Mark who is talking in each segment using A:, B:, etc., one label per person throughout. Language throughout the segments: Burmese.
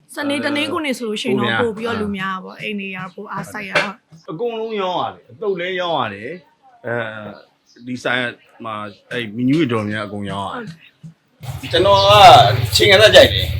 A: စနေတနေ့ကိုနေဆိုလို့ရှိရင်တော့ပို့ပြီးတော့လူများပါအိမ်နေရပို့အားဆိုင်ရတော့
B: အကုန်လုံးရောင်းရတယ်အတုပ်လဲရောင်းရတယ်ဒီဆိုင်မှာအဲ့မီနူးတော်များအကုန်ရောင်းရတယ်ကျွန်တော်ကချိန်ရတဲ့ကြိုက်တယ်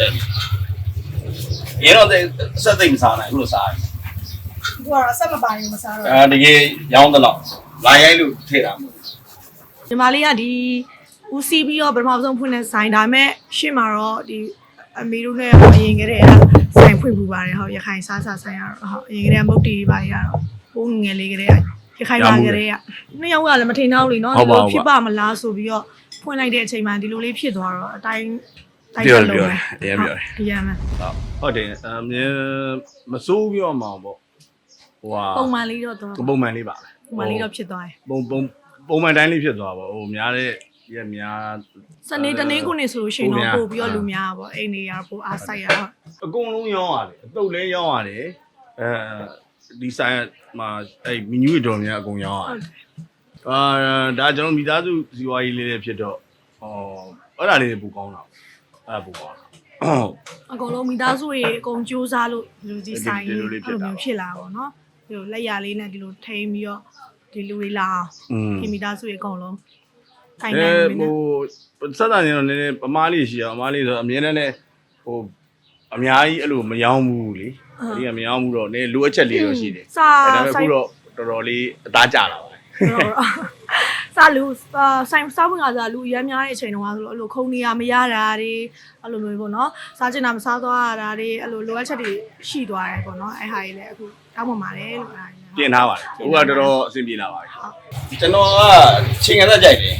B: ရေတော့စက်သိမ့်စားနိုင်ဘူးလို့စားတယ်
A: သူကတော့အဆက်မပိုင်ဘူးမစားတော့
B: တကယ်ရောင်းတော့လာရိုက်လို့ထည့်တာမဟုတ်
A: ညီမလေးကဒီဦးစီးပြီးတော့ပထမဆုံးဖွင့်တဲ့ဆိုင်ဒါပေမဲ့ရှေ့မှာတော့ဒီအမေတို့နဲ့အရင်ကတည်းကဆိုင်ဖွင့်ပူပါတယ်ဟုတ်ရခိုင်စားဆိုင်ရတော့ဟုတ်အရင်ကတည်းကမုတ်တီတွေပါရတော့ပိုးငယ်လေးကတည်းကရခိုင်ပါကတည်းကနှစ်ယောက်ကလည်းမထိန်တော့လေနော်ဒီလိုဖြစ်ပါမလားဆိုပြီးတော့ဖွင့်လိုက်တဲ့အချိန်မှာဒီလိုလေးဖြစ်သွားတော့အတိုင်း
B: ပြောတယ်အရင်ပြောတယ်
A: အရင်မှ
B: ဟုတ်တယ်မစိုးပြောမှာပေါ့ဟိုဟာ
A: ပုံမှန်လေးတော့တော့
B: ပုံမှန်လေးပါပဲ
A: ပုံမှန်လေးတော့ဖြစ်သွားတယ်
B: ပုံမှန်တိုင်းလေးဖြစ်သွားပါဟိုများတဲ့ရက်များ
A: စနေတနေ့ကိုနေဆိုလို့ရှိရင်တော့ပို့ပြီးတော့လူများပါအိမ်နေရပို့အားဆိုင်ရတော့
B: အကုန်လုံးရောင်းရတယ်အတုပ်လဲရောင်းရတယ်ဒီဆိုင်မှာအဲ့မီနူးတော်များအကုန်ရောင်းရတယ်ဒါကျွန်တော်မိသားစုဇီဝကြီးလေးတွေဖြစ်တော့အဲ့ဒါလေးပူကောင်းတာအဲ့ပူကောင်း
A: အကုန်လုံးမိသားစုတွေအကုန်ကြိုးစားလို့လူကြီးဆိုင်အဲ့လိုမျိုးဖြစ်လာပါတော့ဒီလိုလက်ရလေးနဲ့ဒီလိုထိန်းပြီးတော့ဒီလူတွေလာအောင်ဒီမိသားစုတွေအကုန်လုံးထိုင်နေနေဟို
B: စက်တာနေတော့နည်းနည်းအမားလေးရှိအောင်အမားလေးဆိုအမြဲတမ်းလည်းဟိုအများကြီးအဲ့လိုမယောင်းဘူးလေဒီကမယောင်းဘူးတော့နည်းလိုအပ်ချက်လေးတော့ရှိတယ်ဒါပေမဲ့ခုတော့တော်တော်လေးအသားကျလာပါ
A: စားလူဆိုင်စားဝင်ကစားလူရမ်းများတဲ့အချိန်တုန်းကဆိုလို့အဲ့လိုခုံနေရမရတာတွေအဲ့လိုမျိုးပေါ့နော်စားချင်တာမစားသွားရတာတွေအဲ့လိုလိုအပ်ချက်တွေရှိသွားတယ်ပေါ့နော်အဲ့ဟာကြီးလည်းအခုတောင်းပန်ပါတယ်လို့အဲ့ဒါကြီး
B: ပြင်ထားပါတယ်ဟိုကတော်တော်အဆင်ပြေလာပါပြီကျွန်တော်ကချိန်ရတဲ့ကြိုက်တယ်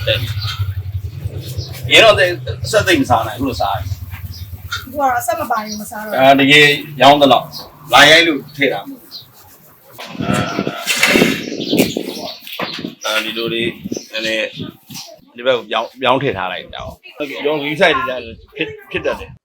B: ရေတော့စက်သိမ့်စားနိုင်ဘူးလို့စားတယ်
A: သူကတော့အဆက်မပိုင်ဘူးမစားတော့
B: တကယ်ရောင်းတော့လာရိုက်လို့ထည့်တာမဟုတ်ဒီလိုလေးနည်းနည်းဒီဘက်ကိုပြောင်းထည့်ထားလိုက်တော့ရောင်းဝီဆိုင်တွေဖြစ်တတ်တယ်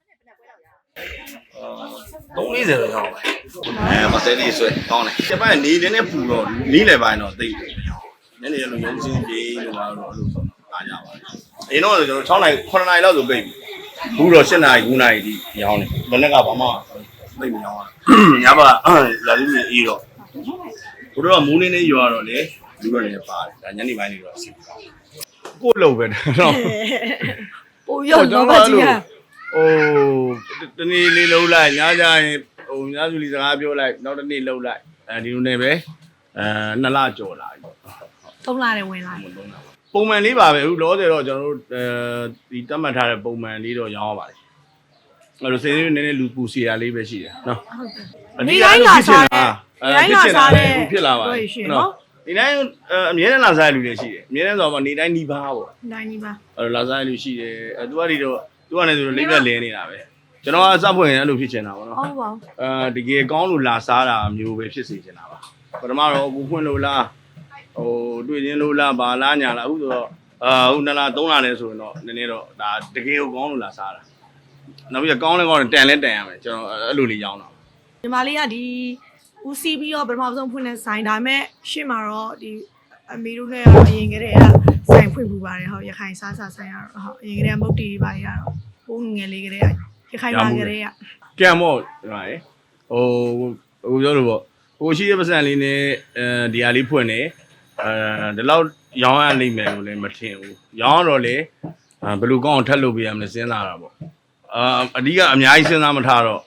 B: 340တော့ရောင်းပါမစဲလေးဆွဲကောင်းတယ်ကျမနေနေတဲ့ပူတော့နီးလေပိုင်းတော့သိတယ်နည်းနည်းလိုရုံးစင်းပြေးလို့တော့အဲ့လိုဆိုတော့အားကြပါအရင်တော့ကျွန်တော်6နိုင်9နိုင်လောက်ဆိုပြိပြီဘူးတော့7နိုင်9နိုင်ဒီရောင်းတယ်ဘယ်နဲ့ကဘာမှသိမရောင်းရညပါလာလူကြီးအေးတော့ဘုရားမိုးနေနေရွာတော့လေလူတွေလည်းပါတယ်ဒါညနေပိုင်းနေတော့အစီကို့လို့ပဲတော့
A: ပို့ရောက်တော့ပါကြီးဟာ
B: ဟိုတနေ့လေးလုံးလိုက်ညကြရင်ဟိုညစုလီစကားပြောလိုက်နောက်တစ်နေ့လုံးလိုက်ဒီလိုနဲ့ပဲ2လကြော်လာပြီ
A: 3လနဲ့ဝင်လာပြီ
B: ပုံမှန်လေးပါပဲအခုလောဆယ်တော့ကျွန်တော်တို့ဒီတတ်မှတ်ထားတဲ့ပုံမှန်လေးတော့ရောင်းရပါတယ်အဲ့လိုစင်းလေးနည်းနည်းလူပူစီရလေးပဲရှိတယ်နော်
A: အဓိကအဲ့လိုဖြစ်နေတာ
B: ဖြစ်လာပါနော်ဒီတိုင်းအမြဲတမ်းလာစားလူတွေရှိတယ်အမြဲတမ်းဆိုတော့နေတိုင်းနီးပါပေါ့
A: တိုင်းနီးပါ
B: အဲ့လိုလာစားလူရှိတယ်သူကဒီတော့သူကလည်းဆိုတော့လိမ့်ပြလဲနေတာပဲကျွန်တော်ကစဖွင့်ရင်အဲ့လိုဖြစ်ချင်တာပေါ့နော်
A: ဟုတ်ပါ
B: တကယ်ကောင်းလို့လာစားတာမျိုးပဲဖြစ်စေချင်တာပါပထမတော့အခုဖွင့်လို့လားဟိုတွေ့ချင်းလို့လားဘာလားညာလားအခုဆိုတော့အခု2လ3လလဲဆိုရင်တော့နည်းနည်းတော့ဒါတကယ်ကိုကောင်းလို့လာစားတာနောက်ပြီးကောင်းလဲကောင်းတယ်တန်လဲတန်ရမယ်ကျွန်တော်အဲ့လိုလေးရောင်းတာ
A: ညီမလေးကဒီဦးစီးပြီးတော့ပထမဆုံးဖွင့်တဲ့ဆိုင်ဒါပေမဲ့ရှေ့မှာတော့ဒီအမေတို့နဲ့အရင်ကတည်းကဆိုင်ဖွင့်ပူပါတယ်ဟုတ်ရခိုင်စားဆိုင်ရတော့ဟုတ်အရင်ကတည်းကမုတ်တီတွေပါရတော့ပိုးငယ်လေးကတည်းကရခိုင်ပါကတည်းက
B: ကံမို့ဒီမှာလေဟိုပြောလို့ပေါ့ဟိုရှိတဲ့ပတ်စံလေးနဲ့ဒီဟာလေးဖွင့်နေဒီလောက်ရောင်းရနိုင်မယ်လို့လည်းမထင်ဘူးရောင်းတော့လေဘယ်လိုကောင်းအောင်ထပ်လုပ်ပေးရမလဲစဉ်းစားတာပေါ့အဓိကအများကြီးစဉ်းစားမထားတော့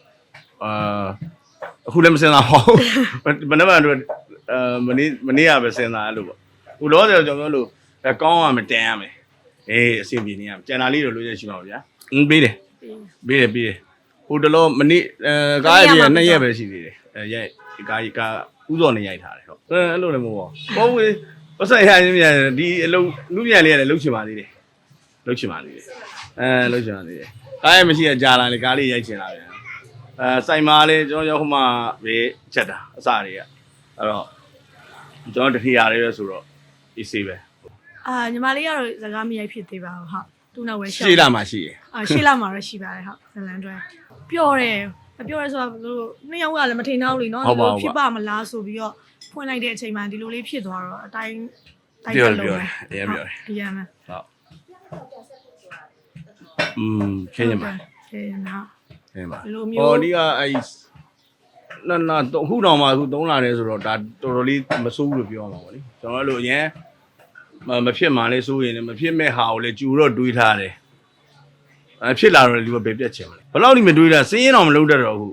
B: အခုလည်းမစဉ်းစားပါဘူးဘယ်နှမတို့မနေ့ကပဲစဉ်းစားအဲ့လိုပေါ့ဟိုလောဆယ်ကျွန်တော်တို့ကောင်းရမယ်တန်ရမယ်အဆင်ပြေနေရမယ်ကျန်တာလေးတော့လိုရရှိပါဗျာပေးတယ်ဟိုတလောမနေ့ကားရပြ2ရက်ပဲရှိသေးတယ်ရိုက်ကားဥစော်နေရိုက်ထားတယ်ဟုတ်အဲ့လိုလည်းမဟုတ်ပါဘူးပတ်ဆိုင်ရချင်းမြန်ဒီအလုံးလူမြန်လေးရတယ်လှုပ်ချင်ပါသေးတယ်လှုပ်ချင်ပါသေးတယ်လှုပ်ချင်ပါသေးတယ်ကားရမရှိရကြာလာလေကားလေးရိုက်ချင်လာပြန်စိုက်မားလေးကျွန်တော်ရောက်ခမပဲချက်တာအစတွေကအဲ့တော့ကျွန်တော်တတိယလေးပဲဆိုတော့အေးဆေးပဲ
A: ညီမလေးကတော့စကားမရိုက်ဖြစ်သေးပါဘူးဟုတ်သူ့နောက်ပဲ
B: ရှေ့လာမှရှိရ
A: ရှေ့လာမှတော့ရှိပါတယ်ဟုတ်ဇလန်တွဲပျော့တယ်မပျော့ရဲဆိုတော့တို့နှစ်ယောက်ကလည်းမထိန်တော့လေနော်ဒီလိုဖြစ်ပါမလားဆိုပြီးတော့ဖွင့်လိုက်တဲ့အချိန်မှာဒီလိုလေးဖြစ်သွားတော့အတိုင်း
B: ပြောတယ်အရင်ပြောတယ်
A: အရင်မှ
B: ဟုတ်ခင်းရမှာ
A: ခင်းရမှာ
B: ပါ
A: ဒီလို
B: ဟော
A: မျိုး
B: ဒီကအဲ့နာခုတောင်မှအခု3လတယ်ဆိုတော့ဒါတော်တော်လေးမစိုးဘူးလို့ပြောမှာပေါ့လေကျွန်တော်တို့အရင်မဖြစ်မှလည်းစိုးရင်လည်းမဖြစ်မဲ့ဟာကိုလည်းကြူတော့တွေးထားတယ်ဖြစ်လာတော့လူကပဲပြက်ချင်မလဲဘယ်လောက်ဒီမတွေးတာစင်းရင်တော့မလုပ်တတ်တော့ဘူး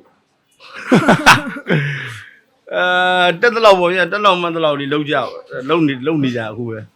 B: တက်တလောက်ပေါ့ဗျတက်လောက်မှန်တလောက်ဒီလုံးကြလုံးနေကြအခုပဲ